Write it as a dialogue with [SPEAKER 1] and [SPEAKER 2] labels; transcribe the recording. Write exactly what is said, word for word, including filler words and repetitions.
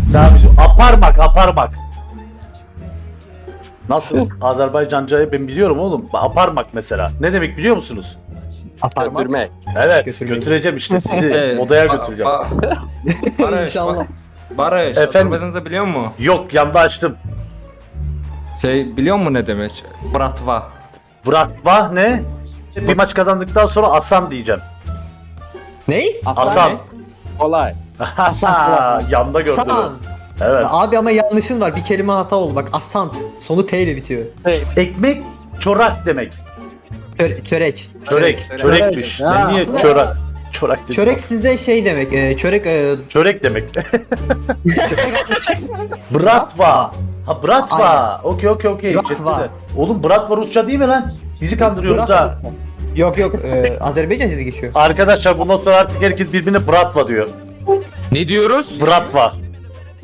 [SPEAKER 1] Daha bizim aparmak aparmak. Nasıl? Azerbaycancayı ben biliyorum oğlum. Aparmak mesela. Ne demek biliyor musunuz?
[SPEAKER 2] Aparmak.
[SPEAKER 3] Götürmek.
[SPEAKER 1] Evet,
[SPEAKER 2] Götürmek.
[SPEAKER 1] götüreceğim işte sizi
[SPEAKER 4] Evet,
[SPEAKER 1] odaya
[SPEAKER 4] ba-
[SPEAKER 1] götüreceğim.
[SPEAKER 4] ba- Barış,
[SPEAKER 2] İnşallah.
[SPEAKER 4] ba- Barış,
[SPEAKER 1] Efendim?
[SPEAKER 4] Azerbaycanca biliyor musun?
[SPEAKER 1] Yok, yanda açtım.
[SPEAKER 4] Şey biliyor musun ne demek? Bratva.
[SPEAKER 1] Bratva ne? Bir maç kazandıktan sonra Asam diyeceğim.
[SPEAKER 2] Ney?
[SPEAKER 1] Asam.
[SPEAKER 3] Kolay.
[SPEAKER 1] Haha, yanda gördüm.
[SPEAKER 2] Asan.
[SPEAKER 1] Evet.
[SPEAKER 2] Abi ama yanlışın var. Bir kelime hata oldu. Bak asant. Sonu T ile bitiyor.
[SPEAKER 1] Ekmek çorak demek.
[SPEAKER 2] Çö- çörek.
[SPEAKER 1] Çörek,
[SPEAKER 3] Çörek.
[SPEAKER 1] çörekmiş.
[SPEAKER 3] Çörek.
[SPEAKER 1] Ben niye
[SPEAKER 2] Aslında-
[SPEAKER 1] çorak? Çorak dedim.
[SPEAKER 2] Çörek sizde şey demek. E, çörek e,
[SPEAKER 1] Çörek demek. Bratva. Ha Bratva.
[SPEAKER 2] Aynen.
[SPEAKER 1] Okey okey okey.
[SPEAKER 2] Bratva.
[SPEAKER 1] Chatte de. Oğlum Bratva Rusça değil mi lan? Bizi kandırıyoruz
[SPEAKER 2] Bratva.
[SPEAKER 1] ha.
[SPEAKER 2] Yok yok. E, Azerbaycanca da geçiyor.
[SPEAKER 1] Arkadaşlar bundan sonra artık herkes birbirine Bratva diyor.
[SPEAKER 4] Ne diyoruz?
[SPEAKER 1] Bratva.